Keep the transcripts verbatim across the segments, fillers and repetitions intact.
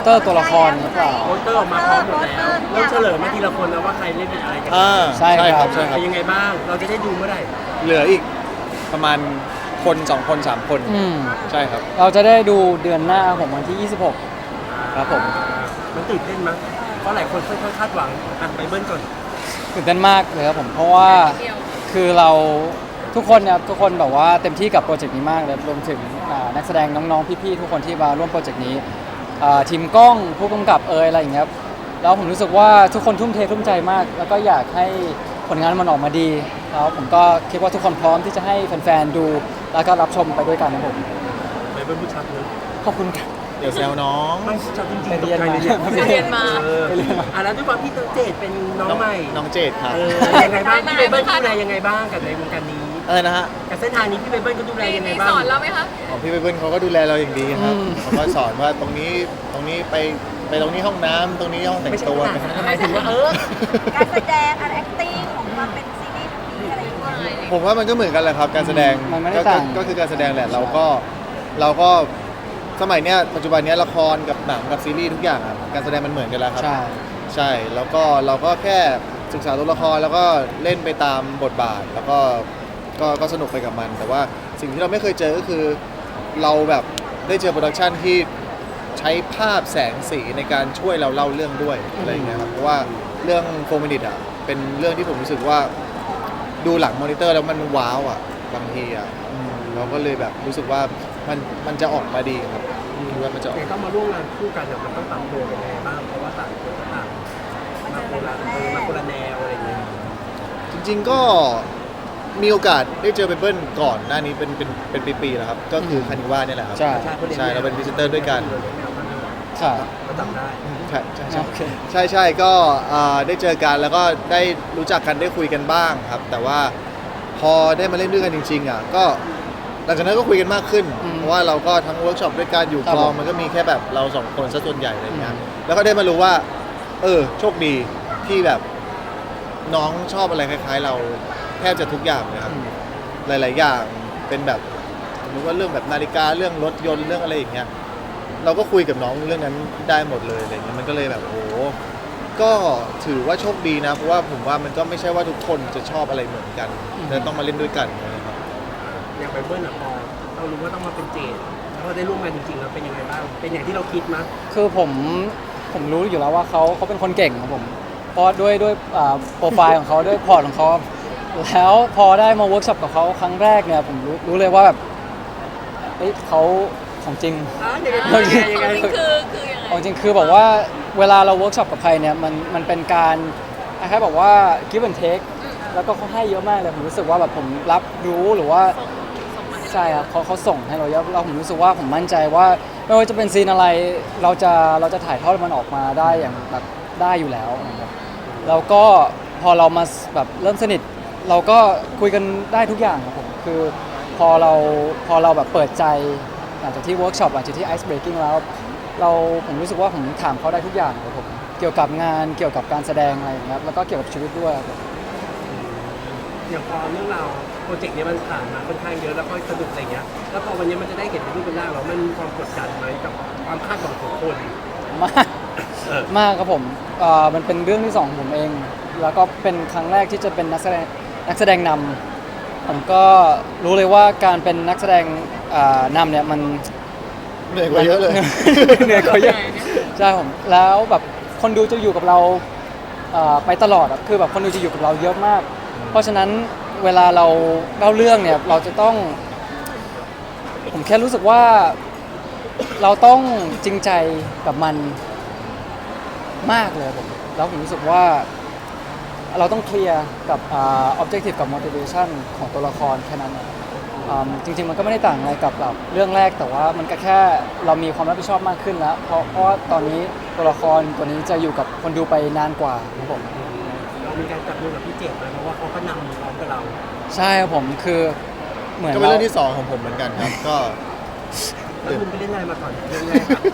เตอร์ตัวละครหรือเปล่าโปสเตอร์ออกมาพร้อมหมดแล้วเริ่มเฉลยมาทีละคนแล้วว่าใครเล่นเป็นอะไรกันอ่าใช่ครับใช่ครับเป็นยังไงบ้างเราจะได้ดูเมื่อไหร่เหลืออีกประมาณคนสองคนสามคนอืมใช่ครับเราจะได้ดูเดือนหน้าผมวันที่ ยี่สิบหก ครับผมมันตื่นเต้นมั้ยเพราะหลายคนค่อยๆคาดหวังอ่ะไปเบิ้ลก่อนตื่นเต้นมากเลยครับผมเพราะว่าคือเราทุกคนเนี่ยทุกคนแบบว่าเต็มที่กับโปรเจกต์นี้มากเลยรวมถึงอ่านักแสดงน้องๆพี่ๆทุกคนที่มาร่วมโปรเจกต์นี้อ่าทีมกล้องผู้กำกับเอยอะไรอย่างเงี้ยครับแล้วผมรู้สึกว่าทุกคนทุ่มเททุ่มใจมาก แล้วก็อยากให้ผลงานมันออกมาดีแล้วผมก็คิดว่าทุกคนพร้อมที่จะให้แฟนๆดูแล้วก็รับชมไปด้วยกันนะผมไปเบิ้ลผู้ชัดเลยขอบคุณครับเดี๋ยวแซวน้องไม่ชัดจริงไปๆตกเรียนใจมาเลยเนี่ยไปเรียนมาเอออ่ะแล้วด้วยความที่เจดเป็นน้องใหม่น้องเจดครับเออยังไงบ้างพี่เบเบิ้ลดูแลยังไงบ้างกับในวงการนี้อะไรนะฮะกับเส้นทางนี้พี่เบเบิ้ลก็ดูแลยังไงมีบ้างสอนเราไหมคะของพี่เบิ้ลเขาก็ดูแลเราอย่างดีครับอืมเขาก็สอนว่าตรงนี้ตรงนี้ไปไปตรงนี้ห้องน้ำตรงนี้ห้องแต่งไม่ใช่ตัวขนาดนั้นหมายถึงว่าเออการแสดงการ acting ของความเป็นซีรีส์ทั้งนี้อะไรอย่างเงี้ยผมว่ามันก็เหมือนกันแหละครับการแสดงมันไม่ได้ก็ต่างก็ก็คือการแสดงแหละเราก็เราก็สมัยเนี้ยปัจจุบันเนี้ยละครกับหนังกับซีรีส์ทุกอย่างอะการแสดงมันเหมือนกันแล้วครับใช่ใช่แล้วก็เราก็แค่ศึกษาตัวละครแล้วก็เล่นไปตามบทบาท แล้วก็ก็ก็สนุกไปกับมัน แต่ว่าสิ่งที่เราไม่เคยเจอก็คือเราแบบได้เจอโปรดักชันที่ใช้ภาพแสงสีในการช่วยเราเล่าเรื่องด้วยอะไรอย่างเงี้ยครับเพราะว่าเรื่องโฟมินิตอ่ะเป็นเรื่องที่ผมรู้สึกว่าดูหลังมอนิเตอร์แล้วมันว้าวอ่ะบางทีอ่ะอืมเราก็เลยแบบรู้สึกว่ามันมันจะออกมาดีครับคิดว่ามันจะออกแต่ต้องมาร่วมงานคู่กันเนี่ยมันต้องปรับตัวกันยังไงบ้างเพราะว่าต่างคนก็ต่างมาคนละเออมาคนละแนวอะไรอย่างเงี้ยจริงๆก็มีโอกาสได้เจอเปเปิ้ลก่อนหน้านี้เป็นเป็นเป็นปีๆแล้วครับก็คือคานิว่าเนี่ยแหละครับใช่ใช่เราเป็นพรีเซนเตอร์ด้วยกันใช่ก็จำได้ใช่ใช่ใช่โอเคใช่ใช่ก็อ่าได้เจอกันแล้วก็ได้รู้จักกันได้คุยกันบ้างครับ แต่ว่าพอได้มาเล่นด้วยกันจริงๆอ่ะก็หลังจากนั้นก็คุยกันมากขึ้นอืมเพราะว่าเราก็ทั้งเวิร์กช็อปด้วยกันอยู่ครับกองผมมันก็มีแค่แบบเราสองคนซะส่วนใหญ่อะไรเงี้ยอืมแล้วก็ได้มารู้ว่า เออโชคดีที่แบบน้องชอบอะไรคล้ายๆ เราแทบจะทุกอย่างเลยครับอืมหลาย ๆ อย่างเป็นแบบสมมติว่าเรื่องแบบนาฬิกาเรื่องรถยนต์เรื่องอะไรอย่างเงี้ยเราก็คุยกับน้องเรื่องนั้นได้หมดเลยอะไรเงี้ยมันก็เลยแบบโอ้โหก็ถือว่าโชคดีนะเพราะว่าผมว่ามันก็ไม่ใช่ว่าทุกคนจะชอบอะไรเหมือนกันอืมแต่ต้องมาเล่นด้วยกันนะครับอย่างไปเบิ้ลอ่ะพอเรารู้ว่าต้องมาเป็นเจดแล้วพอได้ร่วมงานจริงๆแล้วเป็นยังไงบ้างเป็นอย่างที่เราคิดมั้ยคือผมผมรู้อยู่แล้วว่าเขาเขาเป็นคนเก่งครับผมเพราะด้วยด้วยอ่าโปรไฟล์ของเขาด้วยพอร์ตของเขาแล้วพอได้มาเวิร์กช็อปกับเขาครั้งแรกเนี่ยผมรู้รู้เลยว่าแบบเฮ้ยเขาของจริงอ่ะยังไงเรายังไงยังไงนี่คือคือยังไงของจริงคือแบบว่าเวลาเราเวิร์กช็อปกับใครเนี่ยมันมันเป็นการคล้ายๆบอกว่า give and take แล้วก็เขาให้เยอะมากเลยผมรู้สึกว่าแบบผมรับรู้หรือว่าส่งมาให้ใช่ครับเขาเขาส่งให้เราเยอะแล้วผมรู้สึกว่าผมมั่นใจว่าไม่ว่าจะเป็นซีนอะไรเราจะเราจะถ่ายทอดมันออกมาได้อย่างแบบได้อยู่แล้วนะครับแล้วก็พอเรามาแบบเริ่มสนิท เราก็คุยกันได้ทุกอย่างครับผมคือพอเราพอเราแบบเปิดใจหลังจากที่เวิร์กช็อปหลังจากที่ไอซ์เบรกิ้งแล้วเราผมรู้สึกว่าผมถามเขาได้ทุกอย่างครับผมเกี่ยวกับงานเกี่ยวกับการแสดงอะไรอย่างเงี้ยแล้วก็เกี่ยวกับชีวิตด้วยครับผมอย่างพอเรื่องราวโปรเจกต์เนี้ยมันผ่านมาค่อนข้างเยอะแล้วก็สนุกอะไรเงี้ยแล้วพอวันนี้มันจะได้เห็นเป็นรูปเป็นร่างแล้วมันมีความกดดันไหมกับความคาดหวังของคนมากเออมากครับผมเอ่อมันเป็นเรื่องที่สองของผมเอง แล้วก็เป็นครั้งแรกที่จะเป็นนักแสดงนักแสดงนำผมก็รู้เลยว่าการเป็นนักแสดงอ่านำเนี่ยมันเหนื่อยกว่าเยอะเลยเหนื่อยกว่าเยอะใช่ผมแล้วแบบคนดูจะอยู่กับเราเอ่อไปตลอดอะคือแบบคนดูจะอยู่กับเราเยอะมาก เพราะฉะนั้นเวลาเราเล่าเรื่องเนี่ยเราจะต้อง ผมแค่รู้สึกว่าเราต้องจริงใจกับมันมากเลยผมแล้วผมรู้สึกว่าเราต้องเคลียร์กับอ่า objective กับ motivation ของตัวละครแค่นั้นเองอืมจริงๆมันก็ไม่ได้ต่างอะไรกับแบบเรื่องแรกแต่ว่ามันก็แค่เรามีความรับผิดชอบมากขึ้นแล้ว เพราะเพราะว่าตอนนี้ตัวละครตัวนี้จะอยู่กับคนดูไปนานกว่าครับผมเรามีการจับมือกับพี่เจดไหมเพราะว่าเขาก็นำพร้อมกับเราใช่ครับผมคือเหมือนก็เป็นเรื่องราที่สองของผมเหมือนกันครับก็แล้วคุณไปเล่นอะไรมาก่อนเรื่องแรกอะ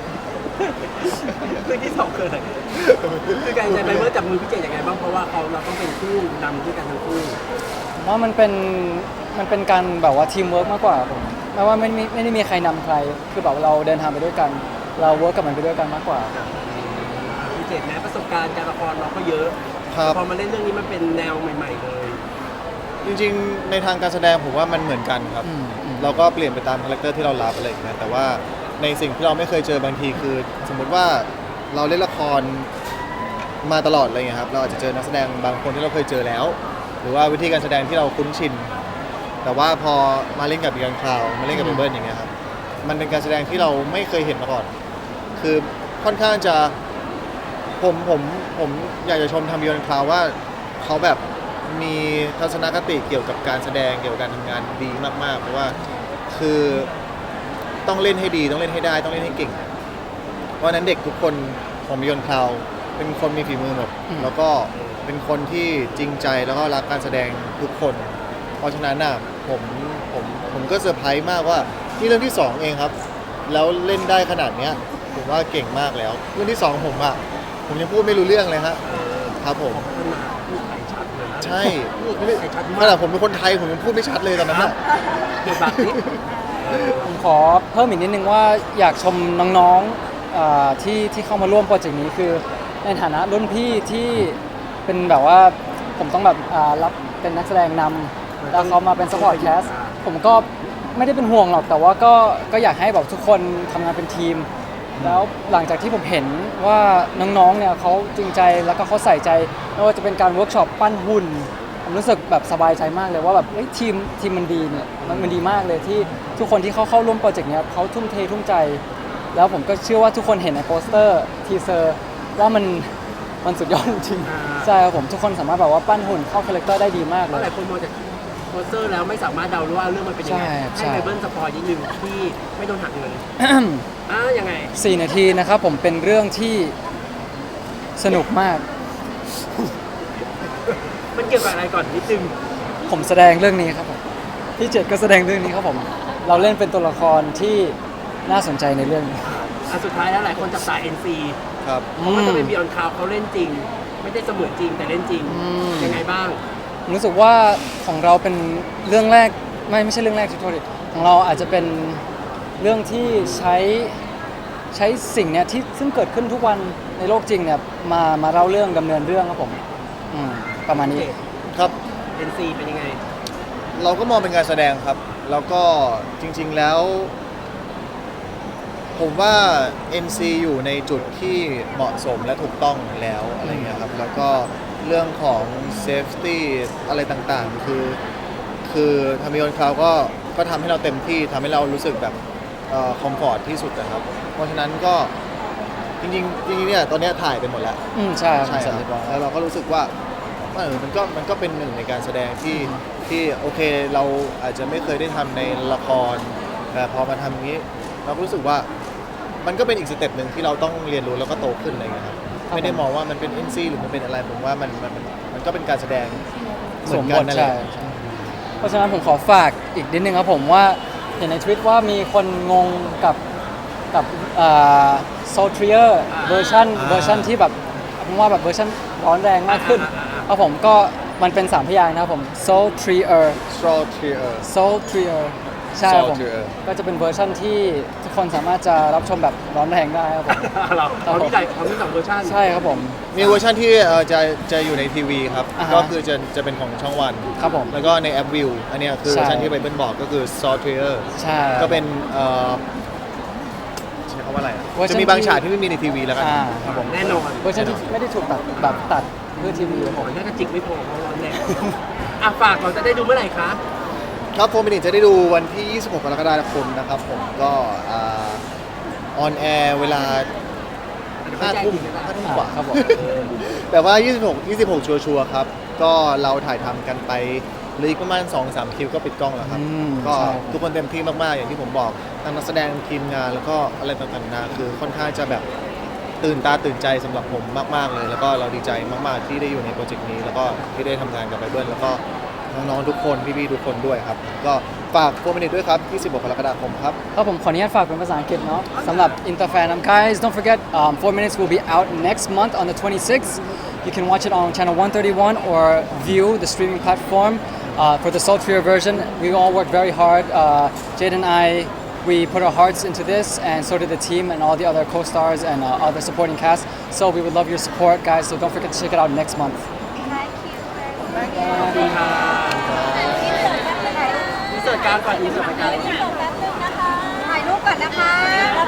เรื่องที่สองคืออะไรคือการจะไปเมื่อจับมือพี่เจดยังไงบ้างเพราะว่าเขาเราต้องเป็นคู่นำด้วยกันทั้งคู่ผมว่ามันเป็นมันเป็นการแบบว่าทีมเวิร์กมากกว่าผมไม่ว่าไม่ไม่ไม่ได้มีใครนำใครคือแบบเราเดินทางไปด้วยกันเราเวิร์กกับมันไปด้วยกันมากกว่าพี่เจตนะประสบการณ์การละครเราก็เยอะครับพอมาเล่นเรื่องนี้มันเป็นแนวใหม่ ๆ เลยจริงๆในทางการแสดงผมว่ามันเหมือนกันครับอืมอืมเราก็เปลี่ยนไปตามคาแรคเตอร์ที่เรารับอะไรอย่างเงี้ยแต่ว่าในสิ่งที่เราไม่เคยเจอบางทีคือ สมมุติว่าเราเล่นละครมาตลอดอะไรเงี้ยครับเราอาจจะเจอนักแสดงบางคนที่เราเคยเจอแล้ว หรือว่าวิธีการแสดงที่เราคุ้นชิน แต่ว่าพอมาเล่นกับยังคราวมาเล่นกับเบิร์ดอย่างเงี้ยครับมันเป็นการแสดงที่เราไม่เคยเห็นมาก่อน คือค่อนข้างจะผมผมผมอยากจะชมทำยังคราวว่าเขาแบบมีทัศนคติเกี่ยวกับการแสดงเกี่ยวกับการทำงานดีมากๆเพราะว่าคือต้องเล่นให้ดีต้องเล่นให้ได้ต้องเล่นให้เก่ง เพราะฉะนั้นเด็กทุกคนของบิยอนคลาวเป็นคนมีฝีมือหมดอืมแล้วก็เป็นคนที่จริงใจแล้วก็รักการแสดงทุกคน เพราะฉะนั้นน่ะผมผมผมก็เซอร์ไพรส์มากว่านี่เรื่องที่สองเองครับ แล้วเล่นได้ขนาดเนี้ยผมว่าเก่งมากแล้ว เรื่องที่สองผมอ่ะผมยังพูดไม่รู้เรื่องเลยฮะครับผมพัฒนาพูดไทยชัดเลยนะใช่พูดไม่ได้ไทยชัดขมากนาดผมเป็นคนไทยผมยังพูดไม่ชัดเลยตอนนั้นครัน่ะบบทบาทนี้ผมขอเพิ่มอีกนิดนึงว่าอยากชมน้องๆอ่าที่ที่เข้ามาร่วมโปรเจกต์นี้คือในฐานะรุ่นพี่ที่เป็นแบบว่าผมต้องแบบอ่ารับเป็นนักแสดงนำแล้วเขามาเป็นสปอร์ตแคสผมก็ไม่ได้เป็นห่วงหรอกแต่ว่าก็ก็อยากให้แบบทุกคนทำงานเป็นทีม แล้วหลังจากที่ผมเห็นว่าน้องๆเนี่ยเขาจริงใจแล้วก็เขาใส่ใจไม่ว่าจะเป็นการเวิร์กช็อปปั้นหุ่น ผมรู้สึกแบบสบายใจมากเลยว่าแบบเอ้ยทีมทีมมันดีเนี่ยมันมันดีมากเลยที่ทุกคนที่เขาเข้าร่วมโปรเจกต์เนี้ยเขาทุ่มเททุ่มใจ แล้วผมก็เชื่อว่าทุกคนเห็นในโปสเตอร์ทีเซอร์ว่ามันมันสุดยอดจริงอ่าๆใช่ครับผมทุกคนสามารถแบบว่าปั้นหุ่นเข้าคาแรคเตอร์ได้ดีมากเพเลราะหยลายคนมองจากโปสเตอร์แล้วไม่สามารถเดารู้ว่าเรื่องมันเป็นยังไงใช่ให้ใช่ไบเบิลสปอยนิดนึงที่ไม่โดนหักเงินอ่ะยังไงสี่นาทีนะครับผมเป็นเรื่องที่สนุกมากมันเกี่ยวกับอะไรก่อนนิดนึงผมแสดงเรื่องนี้ครับผมพี่เจ็ดก็แสดงเรื่องนี้ครับผมเราเล่นเป็นตัวละครที่น่าสนใจในเรื่องนี้อ่ะสุดท้ายแล้วหลายคนจับตา เอ็น ซีครับเพราะว่าจะเป็นบีออนคาวเขาเล่นจริง ไม่ได้เสมือนจริงแต่เล่นจริงอืมยังไงบ้างผมรู้สึกว่าของเราเป็นเรื่องแรกไม่ไม่ใช่เรื่องแรกที่โทษดิของเราอาจจะเป็นเรื่องที่ใช้ใช้สิ่งเนี้ยที่ซึ่งเกิดขึ้นทุกวันในโลกจริงเนี่ยมามาเล่าเรื่องดำเนินเรื่องครับผมอืมประมาณนี้ครับเอ็น ซี เป็นยังไงเราก็มองเป็นการแสดงครับ แล้วก็จริงๆแล้ว ผมว่า เอ็น ซี อยู่ในจุดที่เหมาะสมและถูกต้องแล้วอะไรเงี้ยครับ แล้วก็เรื่องของ safety อะไรต่างๆ คือ คือทามิโอนคราวก็ก็ทำให้เราเต็มที่ทำให้เรารู้สึกแบบคอมฟอร์ทที่สุดนะครับ เพราะฉะนั้นก็จริงๆจริงๆเนี่ยตอนเนี้ยถ่ายไปหมดแล้วอืมใช่ครับใช่ครับแล้วเราก็รู้สึกว่าเออมันก็มันก็เป็นหนึ่งในการแสดงที่ที่โอเคเราอาจจะไม่เคยได้ทำในละครแต่พอมาทำอย่างนี้ เราก็รู้สึกว่ามันก็เป็นอีกสเต็ปหนึ่งที่เราต้องเรียนรู้แล้วก็โตขึ้นอะไรเงี้ยครับไม่ได้มองว่ามันเป็น เอ็น ซี หรือมันเป็นอะไรผมว่ามันมันมันก็เป็นการแสดงเหมืสอวน มกับ นทนั่นแหใช่ละใช่เพราะฉะนั้นผมขอฝากอีกนิดนึงครับผมว่าเห็นในทวิตว่ามีคนงงกับกับโซเทียร์เวอร์ชันอ่าเวอร์ชันที่แบบผมว่าแบบเวอร์ชันร้อนแรงมากขึ้นอ่าอ่าอ่าครับผมก็มันเป็นสามพยางค์นะครับผม Sultrier straw tear Sultrier ใช่ครับผม Sultrier ก็จะเป็นเวอร์ชันที่ทุกคนสามารถจะรับชมแบบร้อนแรงได้ครับผมเราเขามีหลายเขามีสองเวอร์ชันใช่ครับผมมีเวอร์ชันที่เอ่อจะจะอยู่ในทีวีครับอ่าฮะก็คือจะจะเป็นของช่องวันครับผมแล้วก็ในแอปวิวอันเนี้ยคือใช่เวอร์ชันที่ไบเบิลบอกก็คือ straw tear ใช่ก็เป็นเอ่อใช้คำว่าอะไรอะเวอร์ชันจะมีบางที่ฉากที่ไม่มีในทีวีแล้วกันอ่าครับผมแน่นอนเวอร์ชันที่ไม่ได้ถูกตัดแบบตัดเพื่อทีวีครับขผอมแค่กระจิกไม่พอเพราะร้อนแรงอ่ะฝากเราจะได้ดูเมื่อไหร่คะครับโฟมินิจะได้ดูวันที่ ยี่สิบหก กรกฎาคมนะครับผมก็ออนแอร์เวลาห้าทุ่มห้าทุ่มกว่าครับผมแต่ว่า ยี่สิบหก ยี่สิบหก ชัวร์ๆครับ ก็เราถ่ายทำกันไปเหลยอีกประมาณ สองสาม คิวก็ปิดกล้องแล้วครับอืมก็ใช่ทุกคนเต็มที่มาก ๆ อย่างที่ผมบอกทั้งนักแสดงทีมงานแล้วก็อะไรต่างๆนานาคือค่อนข้างจะแบบตื่นตาตื่นใจสำหรับผมมาก ๆ เลย แล้วก็เราดีใจมาก ๆ ที่ได้อยู่ในโปรเจกต์นี้ แล้วก็ที่ได้ทำงานกับไบเบิลแล้วก็น้องๆทุกคนพี่ๆทุกคนด้วยครับ ก็ฝากโฟมินิด้วยครับ ยี่สิบหก กรกฎาคมครับครับผมขออนุญาตฝากเป็นภาษาอังกฤษเนาะสำหรับ Interfan um, guys don't forget um, four minutes will be out next month on the twenty-sixth you can watch it on channel one thirty-one or view the streaming platform uh, for the sultrier version we all worked very hard uh, Jade and I we put our hearts into this, and so did the team and all the other co-stars and uh, other supporting cast. So we would love your support, guys. So don't forget to check it out next month. Thank you ขอบคุณค่ะอินเสิร์ตแป๊บนึงอินเสิร์ตการก่อนอินเสิร์ตการอินเสิร์ตแป๊บนึงนะคะถ่ายรูปก่อนนะคะ